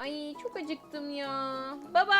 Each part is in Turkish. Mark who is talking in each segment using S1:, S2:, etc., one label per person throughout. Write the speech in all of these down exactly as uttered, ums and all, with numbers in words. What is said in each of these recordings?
S1: Ay çok acıktım ya. Baba!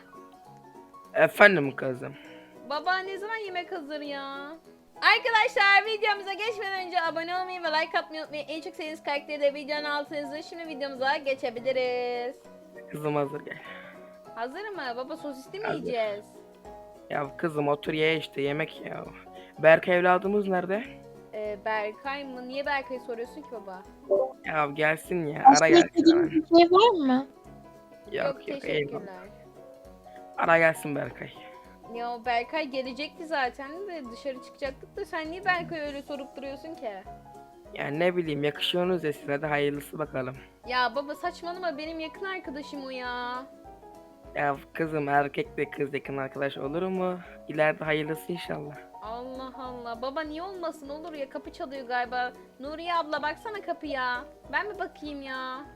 S2: Efendim kızım.
S1: Baba ne zaman yemek hazır ya? Arkadaşlar videomuza geçmeden önce abone olmayı ve like atmayı unutmayın. En çok sevdiğiniz karakteri de videonun altına yazın. Şimdi videomuza geçebiliriz.
S2: Kızım hazır gel.
S1: Hazır mı? Baba sosisli mi
S2: Hazır.
S1: yiyeceğiz?
S2: Ya kızım otur ye işte yemek ya. Berk evladımız nerede?
S1: Ee, Berkay mı? Niye Berkay'ı soruyorsun ki baba?
S2: Ya gelsin ya ara
S3: Başka
S2: gelsin
S3: istediğiniz
S2: hemen.
S3: bir şey var mı?
S1: Yok,
S2: Yok yok eyvallah.
S1: teşekkürler.
S2: Ara gelsin Berkay.
S1: Ya o Berkay gelecekti zaten de dışarı çıkacaktık da sen niye Berkay'ı öyle sorup duruyorsun ki?
S2: Ya ne bileyim yakışıyorsunuz ya size de hayırlısı bakalım.
S1: Ya baba saçmalama benim yakın arkadaşım o ya.
S2: Ya kızım erkek de kız yakın arkadaş olur mu? İleride hayırlısı inşallah.
S1: Allah Allah. Baba niye olmasın olur ya kapı çalıyor galiba. Nuriye abla baksana kapıya. Ben mi bakayım ya?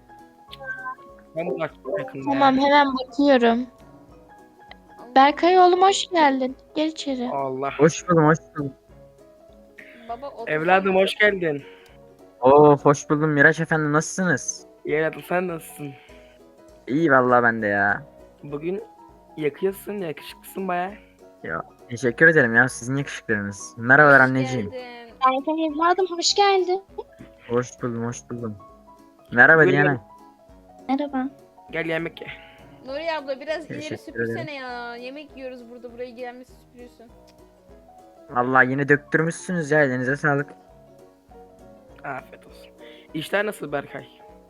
S2: Ben bak yakında.
S3: Tamam, hemen bakıyorum. Berkay oğlum, hoş geldin. Gel içeri.
S2: Allah.
S4: Hoş buldum, hoş buldum.
S1: Baba otursana.
S2: Evladım hoş geldin.
S4: Oo, hoş buldum Miraç efendim, nasılsınız?
S2: Evladım sen nasılsın?
S4: İyi vallahi ben de ya.
S2: Bugün yakıyorsun yakışıklısın baya.
S4: Ya teşekkür ederim ya, sizin yakışıklarınız. Merhabalar
S1: Hoş
S4: anneciğim.
S1: geldin.
S3: Berkay evladım, hoş geldin.
S4: Hoş buldum, hoş buldum. Merhaba
S2: Buyurun.
S4: Diana.
S3: Merhaba.
S2: Gel yemek ye.
S1: Nuriye abla biraz ileri
S4: Teşekkür
S1: süpürsene ya. Yemek yiyoruz burada buraya gelmesi süpürüyorsun.
S4: Vallahi yine döktürmüşsünüz ya, elinize sağlık.
S2: Afiyet olsun. İşler nasıl Berkay?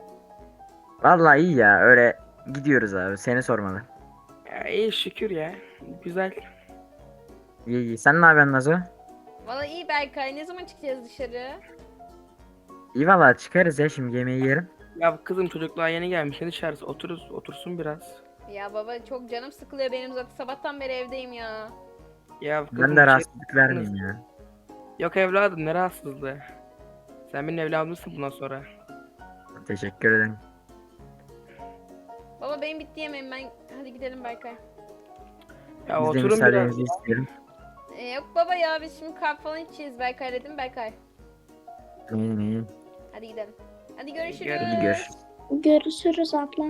S4: Vallahi iyi ya, öyle gidiyoruz abi, seni sormalı.
S2: Ya iyi şükür ya. Güzel.
S4: İyi iyi, sen ne yapıyorsun Nazo?
S1: Valla iyi Berkay ne zaman çıkacağız dışarı?
S4: İyi vallahi çıkarız ya, şimdi yemeği yerim.
S2: Ya kızım çocuklar yeni gelmiş. Ne dışarısı otururuz, otursun biraz.
S1: Ya baba çok canım sıkılıyor benim zaten sabahtan beri evdeyim ya.
S2: Ya kızım
S4: Ben
S2: bir
S4: de
S2: şey-
S4: rahatsızlık vermeyeyim ya.
S2: Yok evladım ne rahatsızlığı. Sen benim evladımsın bundan sonra.
S4: Teşekkür ederim.
S1: Baba benim bitti yemeğim ben hadi gidelim Berkay.
S2: Ya
S4: Biz de
S2: oturun biraz.
S4: müsaadenizi istiyorum.
S1: Ee, yok baba ya biz şimdi kahve falan içeceğiz Berkay dedim Berkay.
S4: İyi iyi.
S1: Hadi gidelim. Hadi görüşürüz.
S2: Gel-
S4: Hadi görüşürüz.
S3: Görüşürüz abla.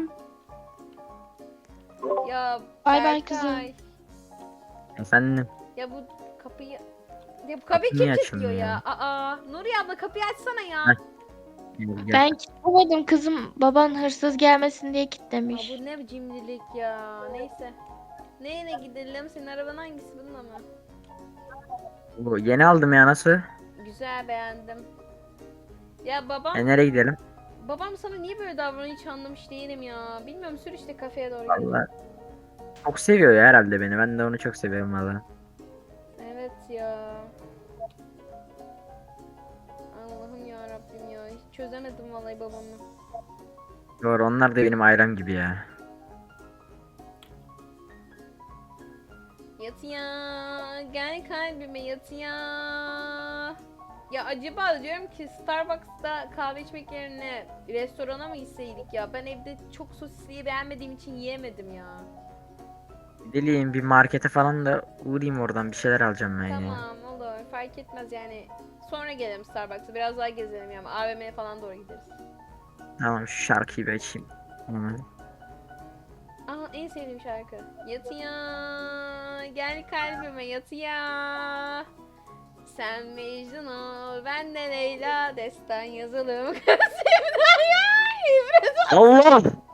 S1: Ya
S3: Bay bay
S1: Berkay.
S3: kızım.
S4: Efendim.
S1: Ya bu kapıyı... Ya bu kapıyı
S4: Kapı
S1: kim
S4: niye
S1: kilitliyor
S4: açılmıyor
S1: ya? Aa, Nuriye abla kapıyı açsana ya.
S4: Heh. Gel, gel.
S3: Ben kilitlemedim kızım. Baban hırsız gelmesin diye
S1: Aa,
S3: kilitlemiş.
S1: bu ne cimrilik ya. Neyse. Neyle gidelim? Senin araban hangisi bununla mı?
S4: Oo, yeni aldım ya, nasıl?
S1: Güzel beğendim. Ya babam,
S4: E nereye gidelim?
S1: babam sana niye böyle davranıyor hiç anlamış değilim ya. Bilmiyorum sür işte kafeye doğru gidelim.
S4: Vallahi çok seviyor ya herhalde beni. Ben de onu çok seviyorum valla.
S1: Evet ya. Allah'ım ya Rabbim ya. Hiç çözemedim vallahi babamı.
S4: Doğru, onlar da benim ailem gibi ya.
S1: Yat ya. Gel kalbime yat ya. Ya acaba diyorum ki Starbucks'ta kahve içmek yerine restorana mı gitseydik ya? Ben evde çok sosisliği beğenmediğim için yiyemedim ya.
S4: Dileyim bir markete falan da uğrayayım, oradan bir şeyler alacağım ben ya.
S1: Tamam olur fark etmez yani. Sonra gelelim Starbucks'a biraz daha gezelim yani A V M'ye falan doğru gideriz.
S4: Tamam, şu şarkıyı bir açayım. Hemen.
S1: Aa en sevdiğim şarkı. Yat ya. Gel kalbime yat ya. Sen Mecnun ol, ben de Leyla, destan yazalım. Sevdaya ibret ol.
S4: Allah!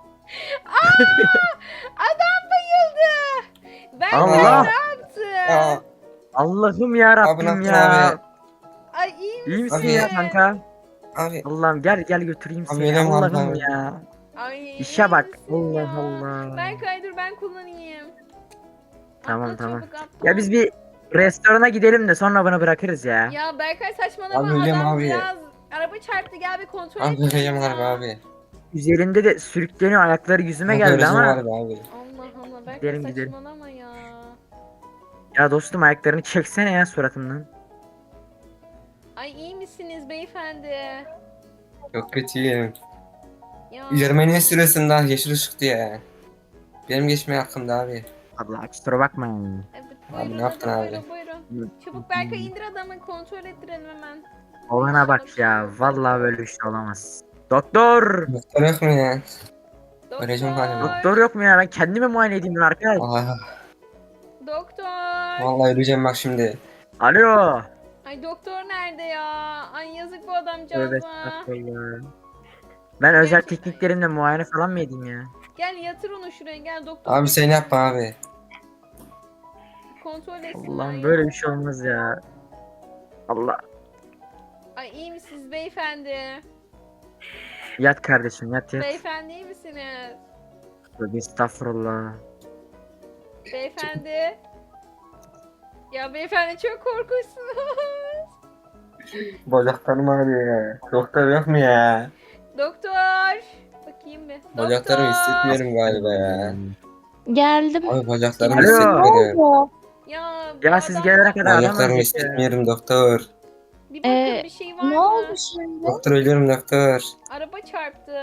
S1: Adam bayıldı. Ben
S4: Allah!
S1: ne yaptım?
S5: Aa,
S4: Allah'ım ya
S5: abi ne
S4: Rabbim
S5: yaptın
S4: ya.
S5: abi?
S1: Ay iyi misin?
S4: İyi misin
S5: Abi
S4: ya
S5: ya.
S4: kanka?
S5: Abi,
S4: Allah'ım gel gel götüreyim
S5: Abi
S4: seni.
S5: benim
S4: Allah'ım
S5: abi.
S4: ya.
S1: Ay
S4: İşe
S1: iyi
S4: bak.
S1: misin
S4: Allah
S1: ya?
S4: Allah.
S1: Ben kaydır ben kullanayım.
S4: Tamam,
S1: Atla
S4: tamam.
S1: çabuk, atla.
S4: Ya biz bir restorana gidelim de sonra bunu bırakırız ya.
S1: Ya Berkay saçmalama
S5: Abi öyle mi
S1: adam
S5: abi?
S1: biraz araba çarptı gel bir kontrol
S5: abi
S1: edelim
S5: kıyım
S1: ya.
S5: harbi abi.
S4: Üzerinde de sürükleniyor, ayakları yüzüme
S5: Abi
S4: geldi
S5: öylesi
S4: ama.
S5: harbi abi.
S1: Allah Allah Berkay
S4: Gidelim, gidelim.
S1: saçmalama ya.
S4: Ya dostum, ayaklarını çeksene ya suratımdan.
S1: Ay iyi misiniz beyefendi?
S5: Çok kötüyüm.
S1: Ya.
S5: Üzerime niye sürüyorsun daha yeşil ışıktı ya. Benim geçmeye hakkımda abi.
S4: Allah kusura bakma yani.
S1: Evet,
S5: Abi
S1: buyurun
S5: ne yaptın
S1: hadi,
S5: abi?
S1: buyurun buyurun. Çabuk Berkay indir adamı kontrol ettirelim hemen.
S4: Olana bak ya, vallahi böyle bir şey olamaz. Doktor!
S5: Doktor yok mu ya? Öleceğim galiba.
S4: Doktor yok mu ya? Ben kendime muayene edeyim bunu arkadaş.
S5: Ah,
S1: Doktor.
S5: vallahi öleceğim bak şimdi.
S4: Alo.
S1: Ay doktor nerede ya? Ay yazık bu
S4: Tövbe
S1: adamcağıza.
S4: estağfurullah. Ben özel tekniklerimle muayene falan mı edeyim ya?
S1: Gel yatır onu şuraya gel doktor.
S5: Abi sen yapma abi.
S1: Kontrol etsinler.
S4: Allah'ım
S1: ya.
S4: böyle bir şey olmaz ya. Allah.
S1: Ay iyi misiniz beyefendi?
S4: Yat kardeşim yat yat.
S1: Beyefendi iyi misiniz?
S4: Tövbe estağfurullah.
S1: Beyefendi. Ya beyefendi çok korkunçsunuz.
S5: Bacaklarım ağrıyor ya. Doktor yok mu ya?
S1: Doktor. Bakayım bir.
S5: Bacaklarımı
S1: Doktor.
S5: hissetmiyorum galiba ya.
S3: Geldim.
S5: Abi bacaklarımı
S4: Alo.
S3: Ne
S5: hissetmiyorum.
S3: oldu?
S1: Ya, bu
S4: Ya siz
S1: adam-
S4: gelene kadar adam
S5: Bacaklarımı
S4: ölecek ya.
S5: hissetmiyorum doktor.
S1: Bir bakın
S3: Ee,
S1: bir şey var
S3: Ne
S1: mı?
S3: oldu şimdi?
S5: Doktor ölüyorum doktor.
S1: Araba çarptı.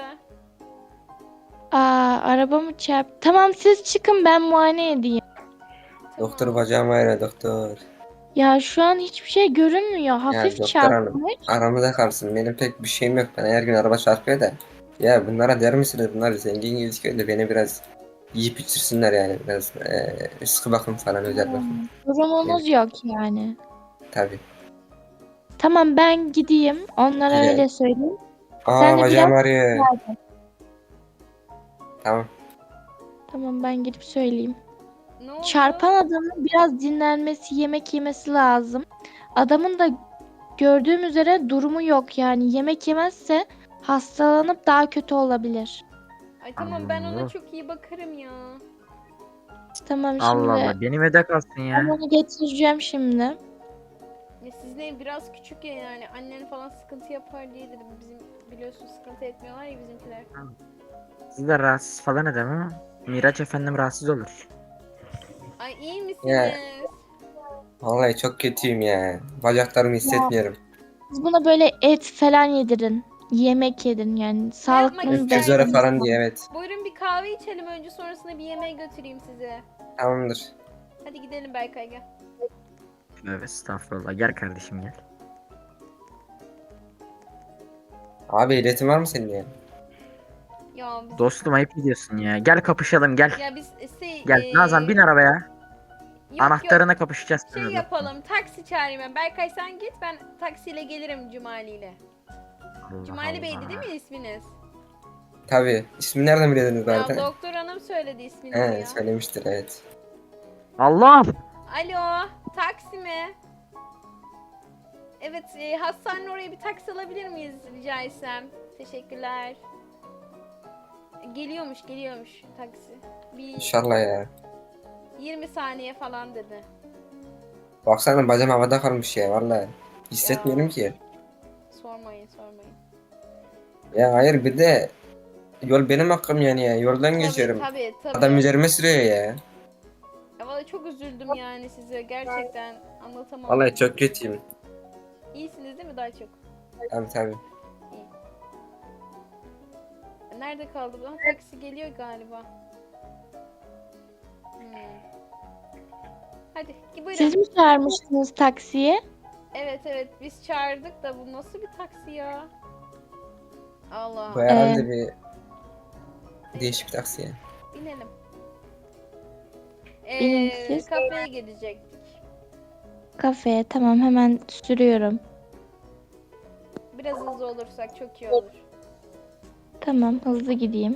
S3: Aa, arabamı çarptı. Tamam siz çıkın ben muayene edeyim.
S5: Doktor
S1: Tamam.
S5: bacağım ağrıyor doktor.
S3: Ya şu an hiçbir şey görünmüyor. Hafif
S5: doktor hanım.
S3: çarpmış.
S5: Aramızda kalsın. Benim pek bir şeyim yok. Ben her gün araba çarpıyor da. Ya bunlara der misiniz? Bunlar zengin gözüküyor da beni biraz yiyip içirsinler yani. Biraz eee sıkı bakım falan özel bakım.
S3: Durumunuz yok yani.
S5: Tabii.
S3: Tamam ben gideyim. Onlara
S5: Güzel.
S3: öyle söyleyeyim.
S5: Aa
S3: Sen de
S5: bacağım
S3: biraz
S5: ağrıyor. Tamam.
S3: Tamam ben gidip söyleyeyim.
S1: Ne oldu?
S3: Çarpan adamın biraz dinlenmesi, yemek yemesi lazım. Adamın da gördüğüm üzere durumu yok yani. Yemek yemezse hastalanıp daha kötü olabilir.
S1: Ay tamam ben ona
S4: Allah.
S1: çok iyi bakarım ya.
S3: Tamam şimdi
S4: Allah Allah benim evde kalsın
S3: ben
S4: ya.
S3: onu getireceğim şimdi.
S1: Ya sizin ev biraz küçük ya yani annen falan sıkıntı yapar diye dedim. Bizim biliyorsun sıkıntı etmiyorlar ya bizimkiler.
S4: Siz de rahatsız falan edem ama Miraç efendim rahatsız olur.
S1: Ay iyi misiniz?
S5: Ya. Vallahi çok kötüyüm ya. Bacaklarımı hissetmiyorum.
S3: Siz buna böyle et falan yedirin. Yemek yedirin yani. Sağlıklı
S1: yapmak isterim?
S5: Öküz ara falan diye evet.
S1: Buyurun bir kahve içelim önce sonrasında bir yemeğe götüreyim sizi.
S5: Tamamdır.
S1: Hadi gidelim Berkay gel.
S4: Evet estağfurullah gel kardeşim gel.
S5: Abi ehliyetin var mı senin ya?
S1: Ya biz,
S4: Dostum ayıp ediyorsun ya. Gel kapışalım gel.
S1: ya biz şey,
S4: Gel
S1: eee,
S4: Nazan bin arabaya.
S1: yok,
S4: Anahtarına
S1: yok.
S4: kapışacağız.
S1: Şey
S4: seninle.
S1: yapalım taksi çağırayım ben. Berkay sen git ben taksiyle gelirim Cumali ile.
S4: Allah
S1: Cumali Bey'di
S4: Allah.
S1: değil mi isminiz?
S5: Tabii. İsmini nereden biliyordunuz
S1: Ya
S5: zaten?
S1: doktor hanım söyledi isminizi
S5: He
S1: ya.
S5: söylemiştir evet.
S4: Allah!
S1: Alo, taksi mi? Evet, e, hastanenin oraya bir taksi alabilir miyiz rica etsem? Teşekkürler. Geliyormuş, geliyormuş taksi. Bir
S5: İnşallah ya.
S1: yirmi saniye falan dedi.
S5: Baksana bacağım havada kalmış ya vallahi. Hissetmiyorum ki.
S1: Sormayın, sormayın.
S5: Ya hayır bir de yol benim hakkım yani ya. Yoldan geçiyorum.
S1: Tabii, tabii, tabii.
S5: Adam üzerime sürüyor ya.
S1: Ya vallahi çok üzüldüm yani size. Gerçekten anlatamam.
S5: Vallahi çok kötüyüm.
S1: İyisiniz değil mi daha çok?
S5: Tabii tabii.
S1: Nerede kaldı bu? Ha, taksi geliyor galiba. Hmm. Hadi buyurun.
S3: Siz mi çağırmıştınız taksiye?
S1: Evet evet biz çağırdık da bu nasıl bir taksi ya? Allah.
S5: Bu herhalde bir değişik bir taksi ya.
S1: Binelim.
S3: Binin
S1: Ee,
S3: siz.
S1: kafeye gidecektik.
S3: Kafeye tamam hemen sürüyorum.
S1: Biraz hızlı olursak çok iyi olur.
S3: Tamam hızlı gideyim.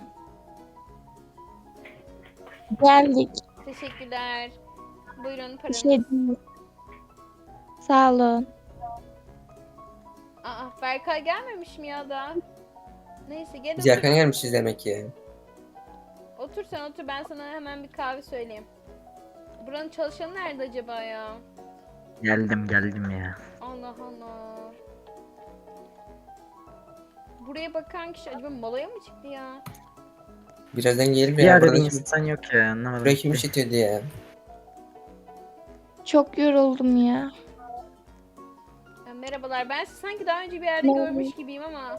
S3: Geldik.
S1: Teşekkürler. Buyurun
S3: Bir
S1: paranız.
S3: şey değil. Sağ olun.
S1: Aa Berkay gelmemiş mi ya da? Neyse gel
S5: Biz
S1: otur.
S5: erken gelmişiz demek ki.
S1: Otur sen otur ben sana hemen bir kahve söyleyeyim. Buranın çalışanı nerede acaba ya?
S4: Geldim geldim ya.
S1: Allah Allah. Buraya bakan kişi acaba molaya mı çıktı ya?
S5: Birazdan gelir
S4: Bir
S5: ya.
S4: yerde
S5: Burada
S4: bir
S5: kim,
S4: insan yok ya anlamadım.
S5: buraya kim işitiyordu ya?
S3: Çok yoruldum ya.
S1: Ya merhabalar ben sizi sanki daha önce bir yerde
S3: Merhaba.
S1: görmüş gibiyim ama.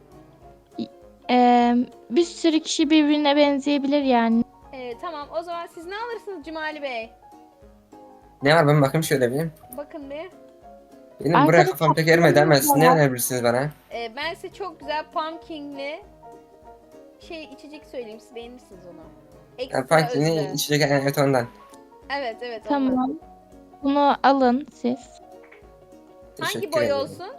S3: Ee, bir sürü kişi birbirine benzeyebilir yani.
S1: Ee, tamam o zaman siz ne alırsınız Cumali Bey?
S5: Ne var ben bakayım şöyle bir.
S1: Bakın bir.
S5: Benim
S3: Arkada
S5: buraya kafam pek ermedi ama siz ne
S3: var.
S5: önerebilirsiniz bana?
S1: Ee, ben size çok güzel pumpkinli şey içecek söyleyeyim, siz beğenirsiniz onu.
S5: Ya
S1: Ekstra
S5: Paki ne
S1: özlü.
S5: içecek, evet ondan.
S1: Evet evet ondan.
S3: Tamam. Bunu alın siz.
S1: Hangi
S5: Teşekkür
S1: boy
S5: ederim.
S1: olsun?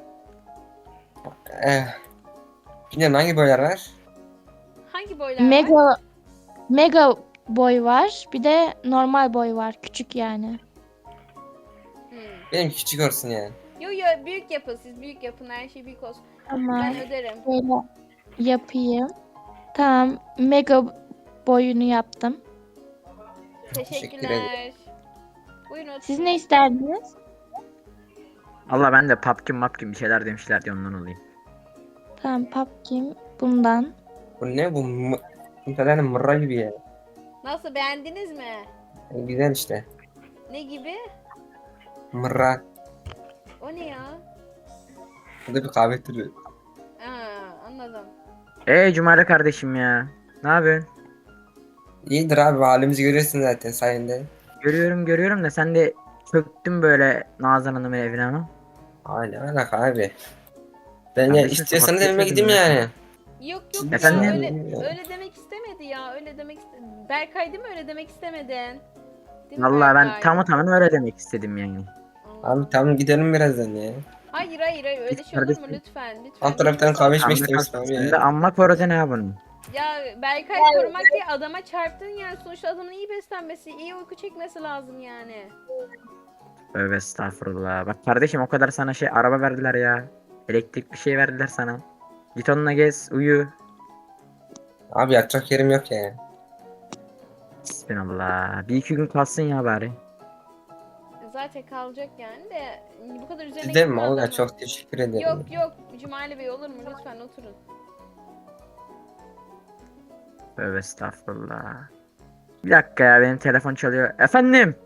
S5: Eh, bilmiyorum hangi boylar var?
S1: Hangi boylar var?
S3: Mega mega boy var. Bir de normal boy var. Küçük yani.
S1: Hmm.
S5: Benim küçük olsun yani.
S1: Yo yo büyük yapın, siz büyük yapın, her şey büyük olsun.
S3: Tamam.
S1: Ben öderim.
S3: Böyle yapayım. Tamam. Mega boyunu yaptım.
S5: Teşekkür
S1: Teşekkürler. Buyurun oturun.
S3: Siz ne isterdiniz?
S4: Allah ben de papkin mapkin bir şeyler demişler diye ondan olayım.
S3: Tamam, pumpkin bundan.
S5: Bu ne bu? Mı- Muhtemelen mırra gibi ya.
S1: Nasıl, beğendiniz mi?
S5: Yani güzel işte.
S1: Ne gibi?
S5: Mırra.
S1: O ne ya?
S5: Bu da bir kahve türü.
S1: Aa, anladım.
S4: Eee Cumali kardeşim ya. Ne yapıyorsun?
S5: İyidir abi, halimizi görüyorsun zaten sayende.
S4: Görüyorum görüyorum da sen de çöktün böyle Nazan Hanım'ın evine ama.
S5: Aynen alaka abi. Ben ya
S4: Kardeşim,
S5: istiyorsanız
S4: sokakta
S5: evime gideyim
S4: yaşıyordun ya.
S5: yani.
S1: Yok yok
S4: Efendim?
S1: ya, öyle, öyle demek istemedi ya, öyle demek istemedi. Berkay değil mi, öyle demek istemedin? Değil mi
S4: Vallahi ben
S1: Berkay?
S4: tamı tamına öyle demek istedim yani.
S1: Allah.
S5: Abi tamam gidelim birazdan ya.
S1: Hayır hayır hayır, öyle
S4: Biz
S1: şey olur mu
S4: kardeşim.
S1: lütfen lütfen.
S5: Alt taraftan
S1: lütfen.
S5: kahve içmek
S4: Sen de,
S5: istemiştim abi
S4: sen de
S5: ya.
S4: amma korudu ne bunu?
S1: Ya Berkay korumak diye adama çarptın yani, sonuçta adamın iyi beslenmesi, iyi uyku çekmesi lazım yani.
S4: Tövbe estağfurullah. Bak kardeşim o kadar sana şey araba verdiler ya. Elektrik bir şey verdiler sana. Git onunla gez, uyu.
S5: Abi yatacak yerim yok ya.
S4: Bismillah. Bir iki gün kalsın ya bari.
S1: Zaten kalacak yani de bu kadar üzerine
S5: Gidelim mi?
S1: gitme
S5: Valla
S1: adamın.
S5: çok teşekkür ederim.
S1: Yok yok Cumali Bey, olur mu, lütfen oturun.
S4: Tövbe estağfurullah. Bir dakika ya benim telefon çalıyor. Efendim?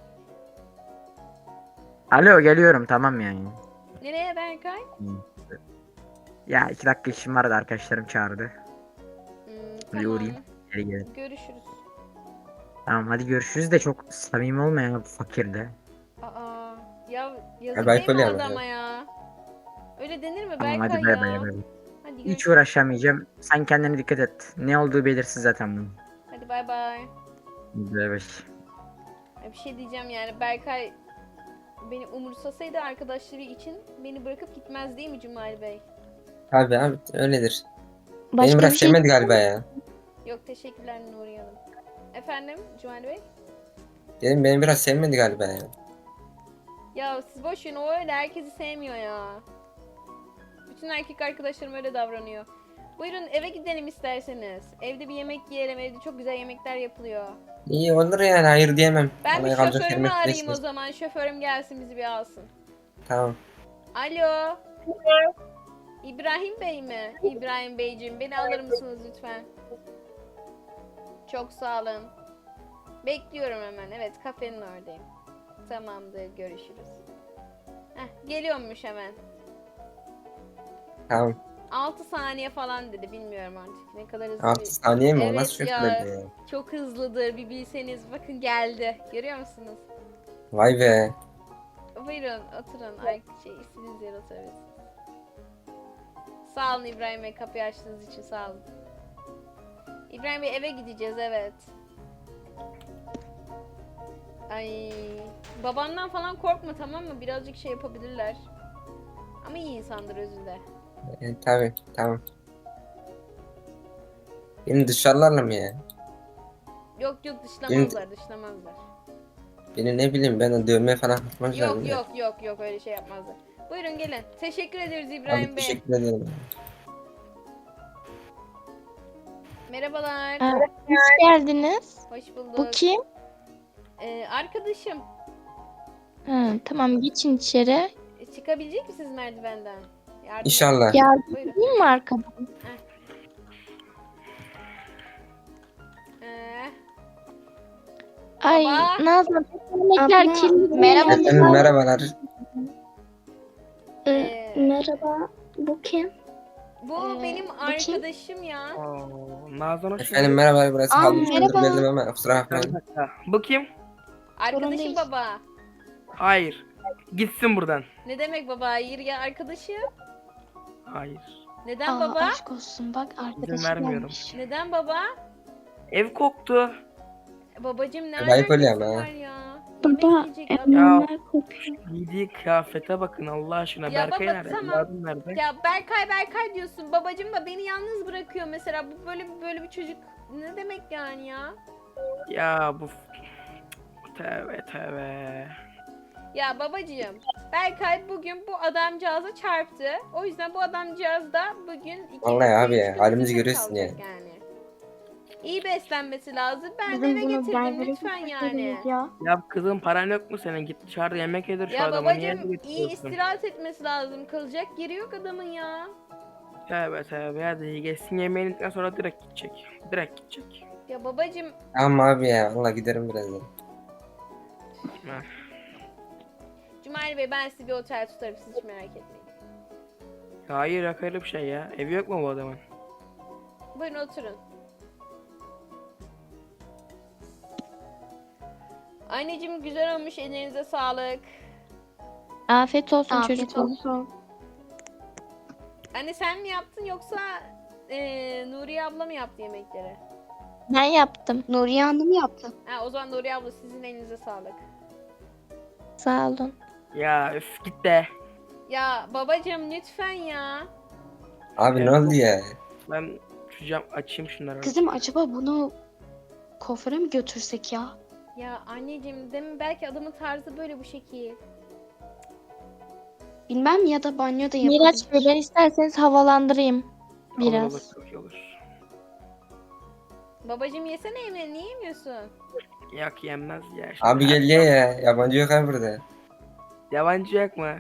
S4: Alo geliyorum tamam yani.
S1: Nereye Berkay?
S4: Ya iki dakika işim vardı arkadaşlarım çağırdı.
S1: Hmm,
S4: Bir
S1: tamam.
S4: uğrayayım. Geri gelelim.
S1: Görüşürüz.
S4: Tamam hadi görüşürüz de çok samimi olma ya bu fakirde.
S1: Aa, ya
S5: Ya
S1: yazık
S5: Berkay
S1: değil mi
S5: öyle
S1: adama ya? Öyle denir mi
S4: Tamam
S1: Berkay
S4: hadi bay
S1: ya?
S4: bay bay.
S1: Hadi
S4: Hiç
S1: görüşürüz.
S4: uğraşamayacağım. Sen kendine dikkat et. Ne olduğu belirsiz zaten bunun.
S1: Hadi bay bay.
S4: Bay bay.
S1: Ya bir şey diyeceğim yani, Berkay beni umursasaydı arkadaşları için beni bırakıp gitmez değil mi Cumali Bey?
S5: Abi abi öyledir.
S3: Başka
S5: Beni
S3: bir
S5: biraz
S3: şey
S5: sevmedi galiba ya.
S1: Yok teşekkürler Nuriye Hanım. Efendim Cumali Bey?
S5: Dedim beni biraz sevmedi galiba ya.
S1: Ya siz boş verin, o öyle herkesi sevmiyor ya. Bütün erkek arkadaşlarım öyle davranıyor. Buyurun eve gidelim isterseniz. Evde bir yemek yiyelim, evde çok güzel yemekler yapılıyor.
S5: İyi olur yani, hayır diyemem.
S1: Ben bir
S5: Bana kalacak
S1: şoförümü
S5: yerim yok,
S1: arayayım o
S5: neyse.
S1: zaman. Şoförüm gelsin bizi bir alsın.
S5: Tamam.
S1: Alo. İbrahim Bey mi? İbrahim Beyciğim, beni alır mısınız lütfen? Çok sağ olun. Bekliyorum hemen. Evet, kafenin oradayım. Tamamdır, görüşürüz. Heh, geliyormuş hemen.
S5: Tamam.
S1: altı saniye falan dedi, bilmiyorum artık ne kadar hızlı.
S5: altı
S1: bir-
S5: saniye mi? O
S1: Evet
S5: nasıl
S1: ya.
S5: şoför ya?
S1: Çok hızlıdır, bir bilseniz. Bakın geldi. Görüyor musunuz?
S5: Vay be.
S1: Buyurun oturun. Ay, şey, istediğiniz yere oturabilirsiniz. Sağ olun İbrahim Bey, kapıyı açtığınız için sağ olun. İbrahim Bey, eve gideceğiz, evet. Ay, babamdan falan korkma, tamam mı? Birazcık şey yapabilirler. Ama iyi insandır özünde.
S5: E, tabii tamam. Beni dışarılarla mı ya?
S1: Yok yok, dışlamazlar dışlamazlar.
S5: Beni ne bileyim, ben o dövme falan yapmazlar
S1: Yok
S5: mı?
S1: yok yok yok, öyle şey yapmazlar. Buyurun gelin. Teşekkür ederiz
S5: Abi
S1: İbrahim Bey.
S5: teşekkür ederim.
S1: Merhabalar.
S3: Aa, hoş geldiniz.
S1: Hoş bulduk.
S3: Bu kim?
S1: Ee, arkadaşım.
S3: Ha, tamam, geçin içeri.
S1: E, Çıkabilecek misiniz merdivenden? Yardım
S5: İnşallah.
S3: Yardım
S1: Buyurun.
S3: edeyim mi arkadan?
S1: Ee,
S3: Ay
S1: Baba.
S3: Nazan, yemekler
S6: Abla,
S3: kirli.
S6: merhaba.
S5: Efendim merhabalar.
S6: Ee,
S1: Ee,
S6: merhaba. Bu kim?
S1: bu
S3: Ee,
S1: benim
S3: bu kim?
S1: arkadaşım ya.
S2: Oo, Nazan hoş
S5: Efendim
S2: geldin.
S5: merhaba, burası
S6: Aa,
S5: halı üstündür
S6: merhaba.
S5: belli ama kusura
S2: Bir
S5: bakmayın.
S2: dakika. Bu kim?
S1: Arkadaşım
S6: değil.
S1: baba.
S2: Hayır. Gitsin buradan.
S1: Ne demek baba? Hayır ya, arkadaşım.
S2: Hayır.
S1: Neden
S3: Aa,
S1: baba?
S3: aşk olsun bak arkadaşı
S2: vermiyorum.
S3: gelmiş.
S1: Neden baba?
S2: Ev koktu.
S1: Babacım ne
S5: Ayıp oluyor
S1: alakası
S5: ama
S1: var
S5: ha.
S1: ya?
S6: Baba
S1: Yemek yiyecek adam.
S6: emler kokuyor.
S2: Giydiği kıyafete bakın Allah aşkına.
S1: Ya
S2: Berkay
S1: baba,
S2: nerede?
S1: tamam.
S2: Evladım nerede?
S1: Ya Berkay Berkay diyorsun. Babacım da beni yalnız bırakıyor mesela. Bu böyle böyle bir çocuk ne demek yani ya?
S2: Ya bu... Tövbe tövbe.
S1: Ya babacığım, Berkay bugün bu adamcağıza çarptı. O yüzden bu adamcağız da bugün iki
S5: Vallahi
S1: iki,
S5: abi
S1: üç
S5: ya,
S1: gün
S5: halimizi
S1: bizimle
S5: görüyorsun
S1: kalacak yani. İyi beslenmesi lazım. Ben de
S6: Bizim
S1: eve
S6: bunu
S1: getirdim
S6: berbere
S1: lütfen yani.
S6: götürdünüz ya.
S2: Ya kızım paran yok mu senin? Git dışarıda yemek yedir şu
S1: Ya
S2: adama. Niye
S1: babacığım
S2: eve
S1: iyi
S2: getiriyorsun?
S1: istirahat etmesi lazım. Kalacak yeri yok adamın ya.
S2: Tövbe tövbe. Hadi geçsin yemeğinden sonra direkt gidecek. Direkt gidecek.
S1: Ya babacığım
S5: Tamam abi ya. Valla giderim birazdan.
S2: Ha.
S1: Cumali Bey ben size bir otel tutarım siz hiç merak etmeyin.
S2: Hayır yok öyle bir şey ya. Evi yok mu bu adamın?
S1: Buyurun oturun. Anneciğim güzel olmuş ellerinize sağlık.
S3: Afiyet olsun
S6: Afiyet
S3: çocuklar.
S6: olsun.
S1: Anne sen mi yaptın yoksa eee Nuriye abla mı yaptı yemekleri?
S3: Ben yaptım.
S6: Nuriye Hanım yaptı.
S1: Ha o zaman Nuriye abla sizin elinize sağlık.
S3: Sağ olun.
S2: Ya üf git de.
S1: Ya babacığım lütfen ya.
S5: Abi ne
S2: Evet.
S5: oldu ya?
S2: Ben şu cam açayım şunları.
S6: Kızım acaba bunu kuaföre mi götürsek ya?
S1: Ya anneciğim demin belki adamın tarzı böyle bu şekil.
S6: Bilmem ya da banyoda
S3: Miraç Bey
S6: yapabilir.
S3: ben isterseniz havalandırayım
S2: Olur,
S3: biraz.
S2: olur, çok iyi olur.
S1: Babacığım yesene yemeğini niye yemiyorsun?
S2: Yok yenmez ya. Şimdi
S5: Abi gel ye ya. Yabancı yok abi burada.
S2: Yabancı yok mu?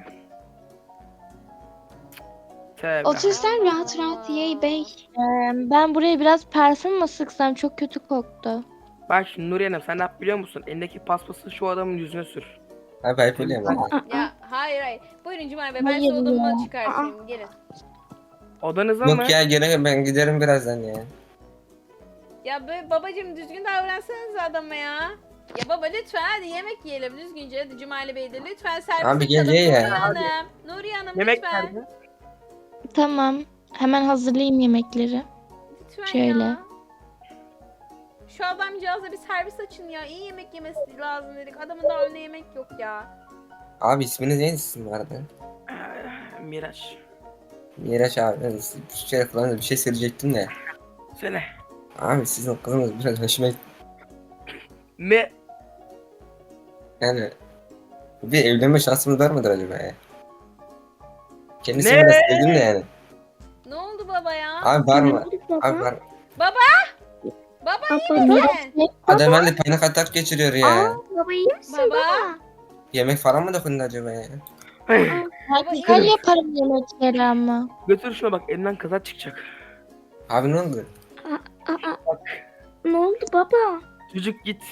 S2: Tövbe.
S6: Otur sen rahat rahat ye bey.
S3: Ee, ben buraya biraz parfüm mı sıksam çok kötü koktu.
S2: Bak şimdi Nuriye Hanım sen ne yap biliyor musun? Elindeki paspası şu adamın yüzüne sür.
S5: Abi ayıp oluyor ama.
S1: Ya hayır hayır. Buyurun Cumali Bey ben size
S3: Hayır
S1: odamı
S3: ya.
S1: çıkartayım gelin.
S2: Odanıza mı?
S5: Yok ya gene ben giderim birazdan ya.
S1: Ya böyle babacığım düzgün davransanız adama ya. Ya baba lütfen hadi yemek yiyelim düzgünce. Hadi Cumali Bey de lütfen servis
S5: Abi gel
S1: açalım.
S5: ye ya.
S1: Nuriye Hanım. Nuriye Hanım
S2: Yemek
S1: lütfen.
S2: nerede?
S3: Tamam. Hemen hazırlayayım yemekleri.
S1: Lütfen
S3: Şöyle.
S1: ya. Şu adamcağıza bir servis açın ya. İyi yemek yemesi lazım dedik. Adamın daha önüne yemek yok ya.
S5: Abi isminiz neydi sizin bu arada?
S2: Ee, Miraç.
S5: Miraç abi. Ben size bir şey falan bir şey söyleyecektim de.
S2: Söyle.
S5: Abi sizin kızınız biraz hoşuma gitti.
S2: Ne?
S5: Yani bir evlenme şansımız var mıdır acaba ya? Kendisi
S2: Ne?
S5: biraz sevdim de yani.
S1: Ne oldu baba ya?
S5: Abi var mı?
S6: Baba.
S5: Abi var.
S1: Baba
S6: Baba,
S1: iyi misin?
S5: Adam herhalde panik atak geçiriyor ya.
S6: Aa, baba iyi misin
S1: Baba.
S6: baba?
S5: Yemek falan mı dokundu acaba ya?
S3: Ben
S1: Baba,
S3: güzel
S1: iyi
S3: yaparım yemekleri ama.
S2: Götür şuna bak elinden kaza çıkacak.
S5: Abi ne oldu?
S6: Aa, ne oldu baba?
S2: Çocuk git.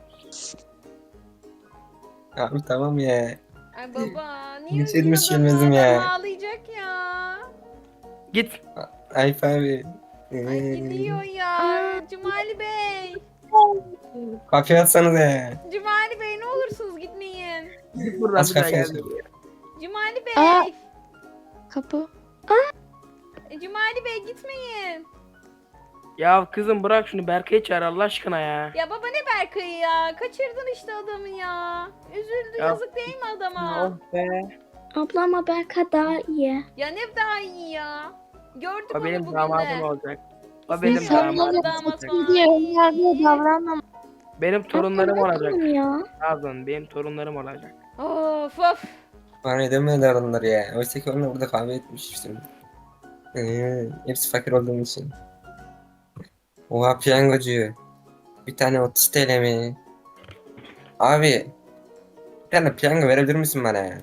S5: Abi tamam ya.
S1: Ay baba niye
S5: Hiç elimi
S1: üzüldün adamı?
S5: silmedim ya.
S1: Adam ağlayacak ya.
S2: Git.
S5: Ayıp abi.
S1: Ay
S5: Ee,
S1: gidiyor ya. Cumali Bey.
S5: Kapıyı atsanıza ya.
S1: Cumali Bey ne olursunuz gitmeyin.
S2: Git buradan
S5: Az
S2: bir daha
S5: kapıyı
S2: gel.
S5: atın.
S1: Cumali Bey.
S3: Aa. Kapı.
S1: E, Cumali Bey gitmeyin.
S2: Ya kızım bırak şunu Berkay'ı çağır Allah aşkına ya.
S1: Ya baba ne Berkay'ı ya? Kaçırdın işte adamı ya. Üzüldü
S2: Ya-
S1: yazık değil mi adama?
S2: Oh be.
S6: Abla ama Berka daha iyi.
S1: Ya ne daha iyi ya. Gördük
S2: O
S1: onu
S2: benim
S1: bugün
S2: damadım
S1: de.
S2: olacak. O benim
S1: İnsanlar-
S2: damadım
S1: damat
S2: olacak.
S1: var.
S3: diye önyargıya davranmam.
S2: Benim torunlarım olacak.
S6: Bakalım ya.
S2: Nazan benim torunlarım olacak.
S1: Of of.
S5: Bana edemediler onlar ya. Oysa ki onlar burada kahve etmiştim. Ee, hepsi fakir olduğum için. Oha piyangocu. Bir tane otuz T L mi? Abi. Bir tane piyango verebilir misin bana ya?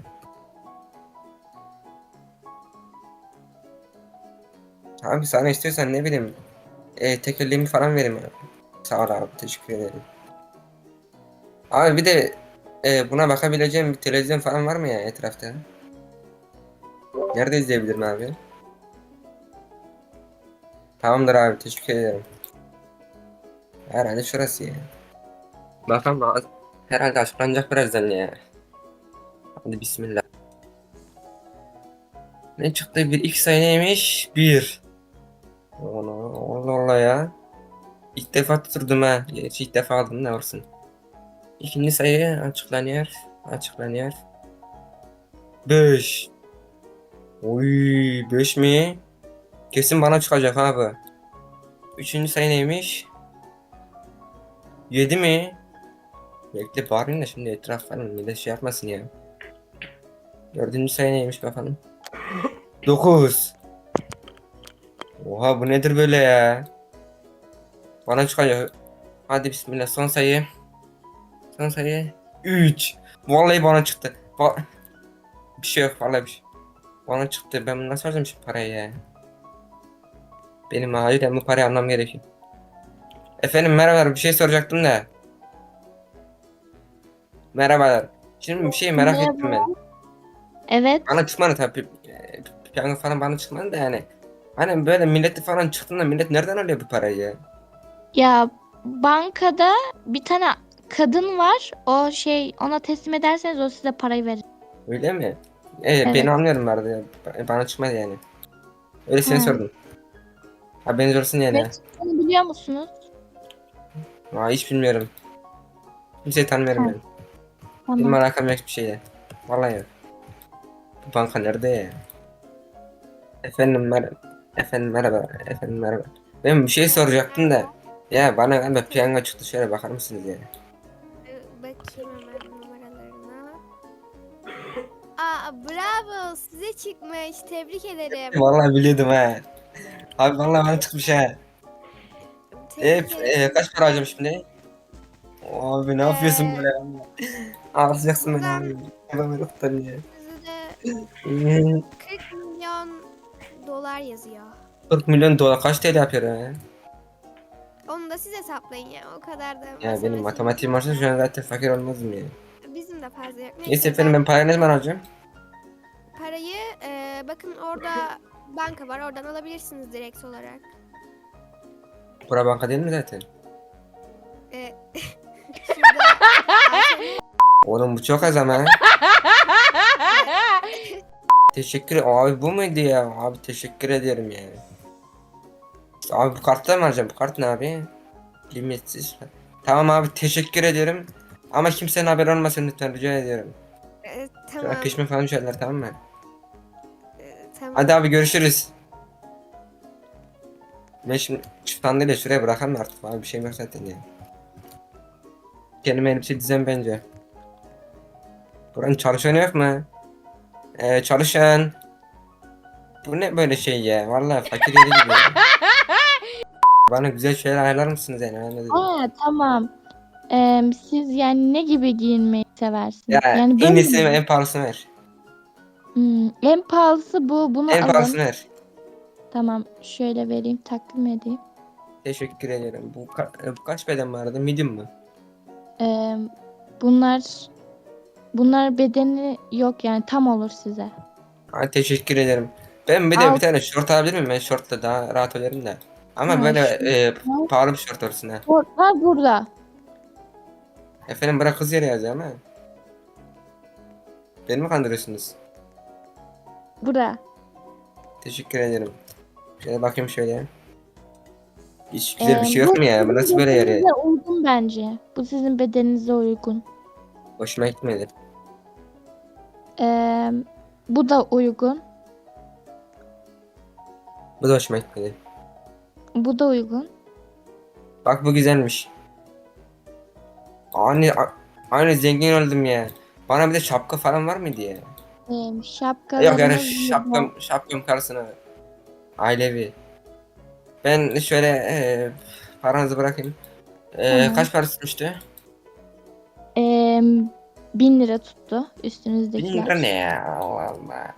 S5: Abi sana istiyorsan ne bileyim. E, tekerleğimi falan vereyim ya. Sağ ol abi teşekkür ederim. Abi bir de e, buna bakabileceğim bir televizyon falan var mı ya etrafta? Nerede izleyebilirim abi? Tamamdır abi teşekkür ederim. Herhalde şurası ya. Bakalım az- herhalde açıklanacak birazdan ya. Hadi bismillah. Ne çıktı? Bir iki sayı neymiş? Bir. Allah Allah Allah ya. İlk defa tuturdum ha. Gerçi ilk defa aldım, ne olsun. İkinci sayı açıklanıyor. Açıklanıyor. Beş. Oy, beş mi? Kesin bana çıkacak abi. Üçüncü sayı neymiş? Yedi mi? Bekle bağırayım da şimdi etraf falan millet şey yapmasın ya. Dördüncü sayı neymiş bakalım. Dokuz. Oha, bu nedir böyle ya? Bana çıkacak. Hadi bismillah, son sayı. Son sayı. Üç. Vallahi bana çıktı. Va bir şey yok, vallahi bir şey. Bana çıktı. Ben bunu nasıl alacağım şu parayı ya? Benim acilen bu parayı almam gerekiyor. Efendim merhabalar, bir şey soracaktım da. Merhabalar. Şimdi bir şey merak ettim ben.
S3: Evet.
S5: Bana çıkmadı tabii. e, Piyango falan bana çıkmadı da yani. Hani böyle milleti falan çıktığında millet nereden alıyor bu parayı ya?
S3: Ya bankada bir tane kadın var. O şey, ona teslim ederseniz o size parayı verir.
S5: Öyle mi? E,
S3: Evet.
S5: beni anlıyorum vardı ya. Ba- Bana çıkmadı yani. Öylesine
S3: Ha.
S5: sordum. Haberiniz olsun yani.
S3: Evet. Onu biliyor musunuz?
S5: Aa, hiç bilmiyorum. Kimseyi tanımıyorum
S3: Ha.
S5: ben. Benim
S3: Tamam.
S5: alakam yok bir şeyle. Vallahi yok. Bu banka nerede ya? Efendim merhaba. Efendim merhaba. Efendim merhaba. Ben bir şey soracaktım da. Ya bana galiba piyango çıktı, şöyle bakar mısınız ya?
S1: Ee, Bakayım hemen numaralarına. Aa, bravo, size çıkmış. Tebrik ederim.
S5: Vallahi biliyordum ha. Abi vallahi bana çıkmış ha. E,
S1: Tebrik
S5: e,
S1: ederim.
S5: kaç para alacağım şimdi? Abi ne yapıyorsun
S1: Ee,
S5: böyle? Ağlayacaksın beni
S1: buradan-
S5: abi. Hemen kurtarın ya.
S1: Size de
S5: Hmm,
S1: kırk milyon dolar yazıyor.
S5: kırk milyon dolar kaç T L yapıyor ya?
S1: Onu da siz hesaplayın ya. O kadar da
S5: Ya benim
S1: matematiğim
S5: matematiğim
S1: yok
S5: varsa şu an zaten fakir olmazdım ya.
S1: ya. Bizim de fazla yok.
S5: Neyse efendim, ben parayı ne zaman alacağım?
S1: Parayı e, bakın orada banka var. Oradan alabilirsiniz direkt olarak.
S5: Bura banka değil mi zaten?
S1: E, şurada
S5: Oğlum bu çok az ama. Teşekkür abi, bu muydu ya? Abi teşekkür ederim ya. Abi bu kartla mı alacağım? Bu kart ne abi? Limitsiz. Tamam abi, teşekkür ederim. Ama kimsenin haberi olmasın lütfen, rica ediyorum.
S1: e,
S5: Şöyle
S1: tamam.
S5: peşime falan düşerler, tamam mı?
S1: e, tamam.
S5: Hadi abi, görüşürüz. Ben şimdi şu sandalyeyi şuraya bırakalım artık abi, bir şeyim yok zaten ya. Kendime elbise dizem bence. Buranın çalışanı yok mu? Ee, çalışan. Bu ne böyle şey ya? Vallahi fakir yeri gibi ya. Bana güzel şeyler ayarlar mısınız yani? Ben ne dedim?
S3: Aa, tamam. Ee, siz yani ne gibi giyinmeyi seversiniz?
S5: Ya
S3: Yani
S5: en
S3: böyle
S5: iyisini
S3: mi?
S5: en pahalısını ver.
S3: Hmm, en pahalısı bu. Bunu
S5: En
S3: alın.
S5: pahalısını ver.
S3: Tamam. Şöyle vereyim. Takdim edeyim.
S5: Teşekkür ederim. Bu, ka- e, bu kaç beden vardı? Medium mu?
S3: Ee, bunlar bunlar bedeni yok yani, tam olur size.
S5: Ha, teşekkür ederim. Ben bir de
S3: Al.
S5: bir tane şort alabilir miyim? Ben şortla daha rahat olurum da. Ama
S3: Ha,
S5: böyle
S3: şu-
S5: e, pahalı bir şort olsun ha.
S3: Var burada.
S5: Efendim bırak kız yere yazıyor ama. Beni mi kandırıyorsunuz?
S3: Burada.
S5: Teşekkür ederim. Şöyle bakayım şöyle. Hiç güzel bir
S3: Ee,
S5: şey yok
S3: bu
S5: mu ya? Bu
S3: sizin
S5: nasıl böyle yer ya?
S3: bedeninize uygun bence. Bu sizin bedeninize uygun.
S5: Hoşuma gitmedi.
S3: Ee, bu da uygun.
S5: Bu da hoşuma gitmedi.
S3: Bu da uygun.
S5: Bak bu güzelmiş. Aynı, a- aynı zengin oldum ya. Bana bir de şapka falan var mıydı ya?
S3: Ee,
S5: Yok
S3: şapkalarınız
S5: yani
S3: burada.
S5: şapkam, şapkam karşısına. Ailevi. Ben şöyle e, paranızı bırakayım. E,
S3: Tamam.
S5: kaç para tutmuştu?
S3: Ee, bin lira tuttu
S5: Bin
S3: üstünüzdekiler.
S5: lira ne ya? Allah Allah.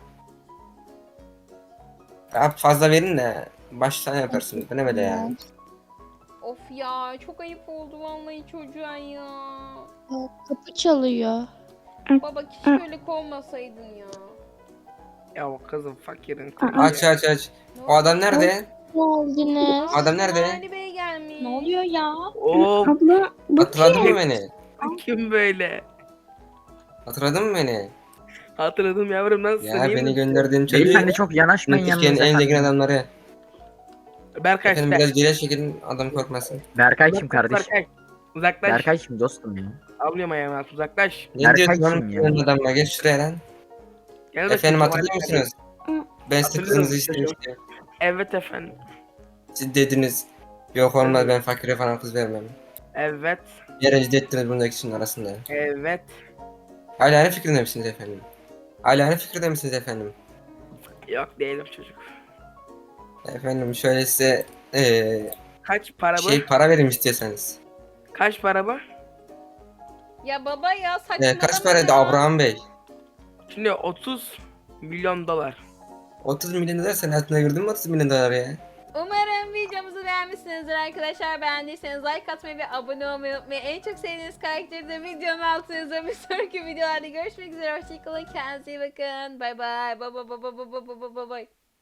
S5: Daha fazla verin de baştan yaparsınız. Bu ne böyle ya?
S1: Of ya, çok ayıp oldu vallahi çocuğa ya.
S3: Kapı çalıyor.
S1: Baba keşke öyle kovmasaydın ya.
S2: Ya o kızım fakirin
S5: Aç
S2: kızı.
S5: aç aç. O adam nerede?
S3: Geldiniz.
S5: Adam nerede?
S1: Ali Bey gelmiş.
S6: Ne oluyor ya?
S2: Oo,
S6: Abla bu
S5: Hatırladın
S6: kim?
S5: mı beni?
S2: kim böyle?
S5: Hatırladın mı beni?
S2: Hatırladım yavrum, nasılsın?
S5: Ya
S2: iyi
S5: beni
S2: misin?
S5: gönderdiğin çocuğu.
S4: Beyefendi çok yanaşmayın
S5: Türkiye'nin
S4: yanınıza
S5: en zengin
S4: efendim.
S5: adamları.
S2: Berkay
S5: Efendim
S2: işte.
S5: biraz geri çekilin adam korkmasın.
S4: Berkay kim
S2: Uzaklaş
S4: kardeşim?
S2: Berkay. Uzaklaş.
S4: Berkay kim dostum ya?
S2: Avlıyorum ayağımı at, uzaklaş.
S5: Ne
S4: Berkay
S5: diyorsun
S4: kim
S5: oğlum
S4: ya?
S5: Türkiye'nin adamına? Geç şuraya lan.
S2: Gel bakayım,
S5: Efendim
S2: Kemal
S5: hatırlıyor
S2: Berkay.
S5: musunuz? Ben size
S2: Hatırlıyorum
S5: kızınızı
S2: işte
S5: istemiştim.
S2: Evet efendim.
S5: Siz dediniz. Yok olmaz ben fakire falan kız vermem.
S2: Evet.
S5: Bir rencide ettiniz bundaki kişinin arasında.
S2: Evet.
S5: Hala aynı fikrinde misiniz efendim? Hala aynı fikirde misiniz efendim?
S2: Yok değilim çocuk.
S5: Efendim şöyle size eee
S2: Kaç para bu?
S5: şey para verim istiyorsanız.
S2: Kaç para bu?
S1: Ya baba ya
S5: Ee,
S1: saçmalama
S5: kaç paraydı
S1: ya.
S5: Abraham Bey?
S2: Şimdi otuz milyon dolar.
S5: otuz milyon dolar sen hayatına girdin mi otuz milyon dolar ya?
S1: Umarım videomuzu beğenmişsinizdir arkadaşlar. Beğendiyseniz like atmayı ve abone olmayı unutmayın. En çok sevdiğiniz karakteri de videonun altına yazın. Bir sonraki videolarda görüşmek üzere. Hoşçakalın. Kendinize iyi bakın. Bay bay. Bay bay bay bay bay bay bay bay.